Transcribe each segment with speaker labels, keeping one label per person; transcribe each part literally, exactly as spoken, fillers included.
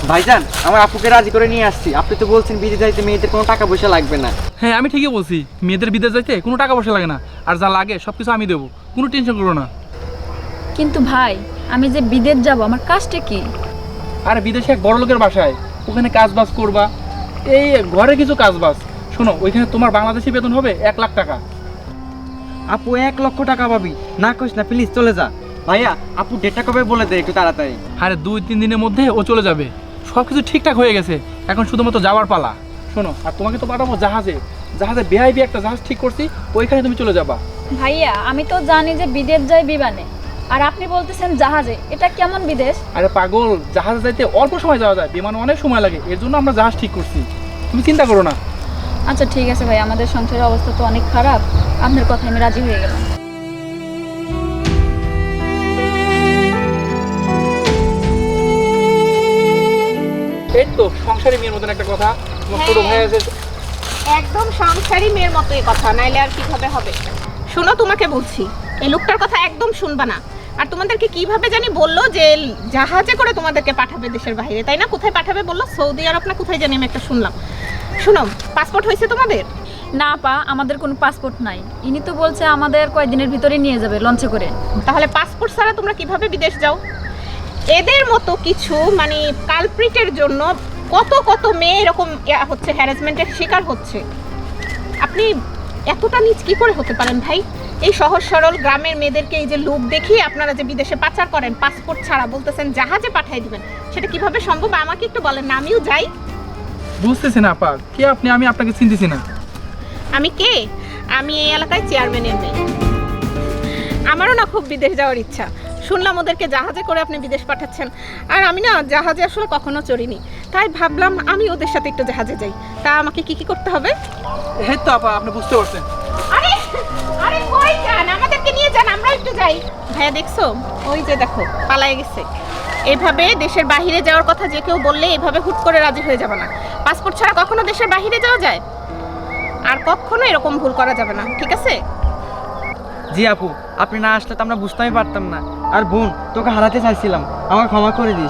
Speaker 1: ভাইজান আমার আপুকে রাজি করে নিয়ে আসছি। আপনি তো বলছেন বিদেশ যাইতে মেয়েদের কোনো টাকা পয়সা লাগবে না।
Speaker 2: হ্যাঁ আমি ঠিকই বলছি, মেয়েদের বিদেশ যাইতে কোনো টাকা পয়সা লাগে না, আর যা লাগে সব কিছু আমি দেবো, কোনো টেনশন করো না।
Speaker 3: কিন্তু ভাই আমি যে বিদেশ যাব আমার কাজটা কি?
Speaker 2: আর বিদেশে এক বড় লোকের বাসায়, ওখানে কাজ বাজ করবা, এই ঘরে কিছু কাজ বাজ। শোনো, ওইখানে তোমার বাংলাদেশি বেতন হবে এক লাখ টাকা।
Speaker 1: আপু এক লক্ষ টাকা পাবি? না কইস না, প্লিজ চলে যা। ভাইয়া আপু ডেটটা কবে বলে দে একটু তাড়াতাড়ি।
Speaker 2: আরে দুই তিন দিনের মধ্যে ও চলে যাবে, সব কিছু ঠিকঠাক হয়ে গেছে, এখন শুধুমাত্র যাওয়ার পালা। শোনো, আর তোমাকে তো পাঠাবো জাহাজে, জাহাজে বেআইবি একটা জাহাজ ঠিক করছি, ওইখানে তুমি চলে যাবা।
Speaker 3: ভাইয়া আমি তো জানি যে বিদেশ যাই বিমানে, আর আপনি বলতেছেন জাহাজে, এটা কেমন বিদেশ?
Speaker 2: আরে পাগল, জাহাজে যাইতে অল্প সময় যাওয়া যায়, বিমানে অনেক সময় লাগে, এর জন্য আমরা জাহাজ ঠিক করছি, তুমি চিন্তা করো না।
Speaker 3: আচ্ছা ঠিক আছে ভাই, আমাদের সংসারের অবস্থা তো অনেক খারাপ, আপনার কথায় আমি রাজি হয়ে গেলাম।
Speaker 2: এই তো সংসারী মেয়ের মতন একটা কথা, তোমার ছোট ভাই আছে।
Speaker 4: একদম সংসারী মেয়ের মতোই কথা, নাইলে আর কিভাবে হবে। শোনো, তোমাকে বলছি এই লোকটার কথা একদম শুনবা না। আর তোমাদেরকে কিভাবে জানি বললো যে জাহাজে করে তোমাদেরকে পাঠাবে দেশের বাইরে, তাই না? কোথায় পাঠাবে বললো? সৌদি আরব না কোথায় জানি, আমি একটা শুনলাম। শুনো, পাসপোর্ট হয়েছে তোমাদের?
Speaker 3: না পা, আমাদের কোনো পাসপোর্ট নাই। ইনি তো বলছে আমাদের কয়েকদিনের ভিতরে নিয়ে যাবে লঞ্চে করে।
Speaker 4: তাহলে পাসপোর্ট ছাড়া তোমরা কিভাবে বিদেশ যাও? এদের মতো কিছু মানে কালপ্রিটের জন্য কত কত মেয়ে এরকম হচ্ছে, হ্যারাসমেন্টের শিকার হচ্ছে। আপনি এতটা নিচ কি করে হতে পারেন ভাই? এই সহজ সরল গ্রামের মেয়েদেরকে এই যে লোক দেখিয়ে আপনারা যে বিদেশে পাচার করেন পাসপোর্ট ছাড়া, বলতেছেন জাহাজে পাঠিয়ে দিবেন, সেটা কিভাবে সম্ভব আমাকে একটু বলেন না, আমিও যাই।
Speaker 2: বুঝতেছি না আপা, কে আপনি? আমি আপনাকে চিনতেছি না।
Speaker 4: আমি কে? আমি এই এলাকায় চেয়ারম্যানের মেয়ে। আমারও না খুব বিদেশ যাওয়ার ইচ্ছা। শুনলাম ওদেরকে জাহাজে করে আপনি বিদেশ পাঠাচ্ছেন, আর আমি না জাহাজে আসলে কখনো চড়িনি, তাই ভাবলাম আমি ওদের সাথে একটু জাহাজে যাই। তা আমাকে কি কি করতে হবে?
Speaker 2: এই তো আপা, আপনি বুঝতে পারছেন।
Speaker 4: আরে আরে কই যান? আমাদেরকে নিয়ে যান, আমরা একটু যাই। ভাইয়া দেখছো, ওই যে দেখো পালায়ে গেছে। এইভাবে দেশের বাইরে যাওয়ার কথা যে কেউ বললে এইভাবে হুট করে রাজি হয়ে যাবে না। পাসপোর্ট ছাড়া কখনো দেশের বাইরে যাওয়া যায়? আর কখনো এরকম ভুল করা যাবে না, ঠিক আছে?
Speaker 1: জি আপু, আপনি না আসলে তো আমরা বুঝতেই পারতাম না। আর বোন, তোকে হারাতে চাইছিলাম, আমাকে ক্ষমা করে দিস।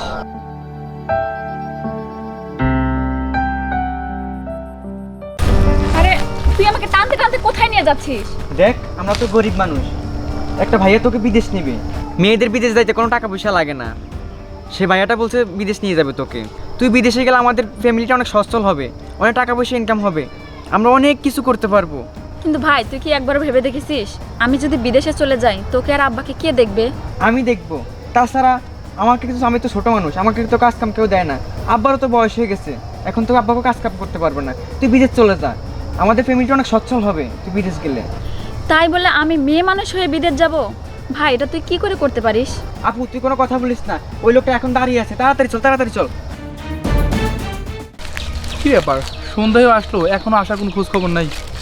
Speaker 3: আরে তুই আমাকে টানতে টানতে কোথায় নিয়ে যাচ্ছিস?
Speaker 1: দেখ, আমরা তো গরিব মানুষ, একটা ভাইয়া তোকে বিদেশ নিবে। মেয়েদের বিদেশ যাইতে কোনো টাকা পয়সা লাগে না। সে ভাইয়াটা বলছে বিদেশ নিয়ে যাবে তোকে। তুই বিদেশে গেলে আমাদের ফ্যামিলিটা অনেক সচ্ছল হবে, অনেক টাকা পয়সা ইনকাম হবে, আমরা অনেক কিছু করতে পারবো।
Speaker 3: কিন্তু ভাই তুই কি একবার ভেবে দেখেছিস আমি যদি বিদেশে চলে যাই তোকে আর আব্বাকে কে দেখবে?
Speaker 1: আমি দেখবো। তাছাড়া আমাকে কিছু, আমি তো ছোটো মানুষ, আমাকে তো কাজ কাম কেউ দেয় না। আব্বারও তো বয়স হয়ে গেছে, এখন তো আব্বাকে কাজ কাম করতে পারবে না। তুই বিদেশ চলে যা, আমাদের ফ্যামিলিটা অনেক সচ্ছল হবে তুই বিদেশ গেলে।
Speaker 3: তাই বলে আমি মেয়ে মানুষ হয়ে বিদেশ যাব? ভাই এটা তুই কি করে করতে পারিস?
Speaker 1: আপু তুই কোনো কথা বলিস না, ওই লোকটা এখন দাঁড়িয়ে আছে, তাড়াতাড়ি চল তাড়াতাড়ি চল।
Speaker 2: কি ব্যাপার, সন্ধ্যায় আসলো, এখনো আসার কোনো খোঁজ খবর নাই।